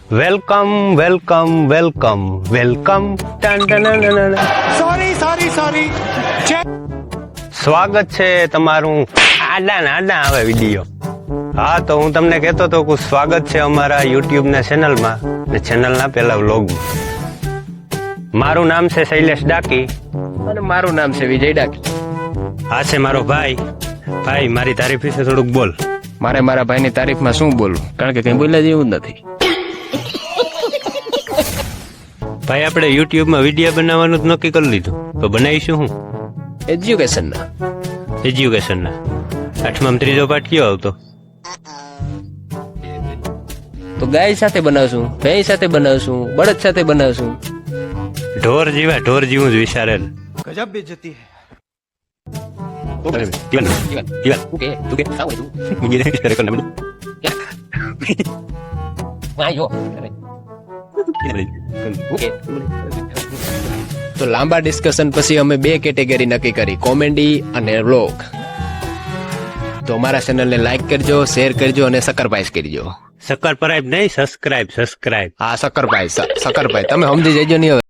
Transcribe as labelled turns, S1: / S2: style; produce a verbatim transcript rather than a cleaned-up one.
S1: Welcome welcome welcome welcome
S2: sorry sorry sorry
S1: સ્વાગત છે તમારું આડા ને આડા આવે વિડીયો. હા, તો હું તમને કહેતો હતો કે સ્વાગત છે અમારા યુટ્યુબ ના ચેનલમાં ને ચેનલના પહેલા વ્લોગમાં. મારું નામ છે શૈલેષ ડાકી
S3: અને મારું નામ છે વિજય ડાકી.
S1: આ છે મારો ભાઈ. ભાઈ, મારી તારીફ વિશે થોડુંક બોલ.
S3: મારે મારા ભાઈની તારીફમાં શું બોલવું, કારણ કે કઈ બોલ્યા જેવું જ નથી.
S1: ભાઈ, આપણે યુટ્યુબમાં વિડીયો બનાવવાનું જ નક્કી કરી લીધું, તો બનાવીશું હું
S3: એજ્યુકેશનના
S1: એજ્યુકેશનના. આઠમામાં ત્રીજો પાઠ કયો આવતો?
S3: તો ગાય સાથે બનાવશું, ભેંસ સાથે બનાવશું, બળદ સાથે બનાવશું.
S1: ઢોર જેવા ઢોર જેવું જ વિચારેલ.
S2: ગજબ બેઇજ્જતી હે.
S3: તો લાંબા ડિસ્કશન પછી અમે બે કેટેગરી નક્કી કરી, કોમેડી અને વ્લોગ. તો અમારા ચેનલને લાઈક કરજો, શેર કરજો અને સકરપાઈસ કરજો.
S1: સકરપાઈસ નહીં, સબસ્ક્રાઇબ સબસ્ક્રાઇબ
S3: હા, સકરપાઈસ સકરપાઈસ તમે સમજી જજો નહીં હવે.